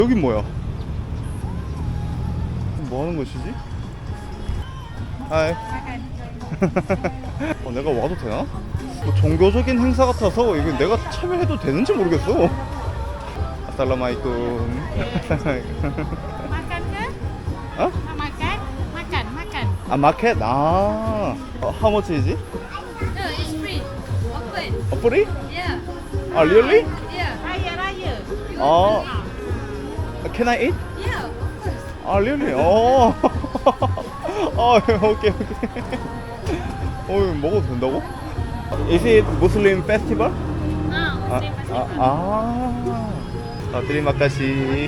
여긴 뭐야? 뭐 하는 것이지? 하이. 내가 와도 되나? 뭐 종교적인 행사 같아서 이거 내가 참여해도 되는지 모르겠어. 아살라마이쿰. Makan ke? 어? Nak makan? Makan, makan. 아 마켓? 아 how much is it? No, it's free. Open. Free? Yeah. 아 really? Yeah. Raya. 아 can I eat? Yeah, of course. 아 really? 어. 아 오케이. 먹어도 된다고? Is it Muslim festival? Muslim festival. 드리마카시.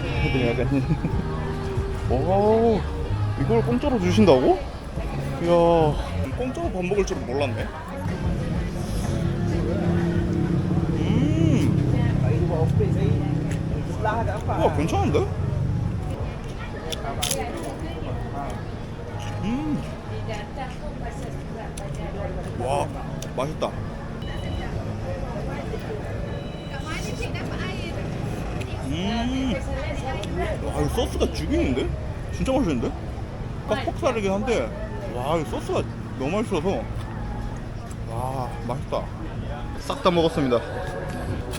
오, 이걸 공짜로 주신다고? 이야, 공짜로 밥 먹을 줄은 몰랐네. 와, 괜찮은데? 와, 맛있다. 와, 이 소스가 죽이는데? 진짜 맛있는데? 딱 폭살이긴 한데, 와, 이 소스가 너무 맛있어서, 와, 맛있다. 싹 다 먹었습니다.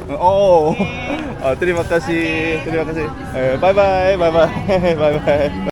드리마카시. 바이바이.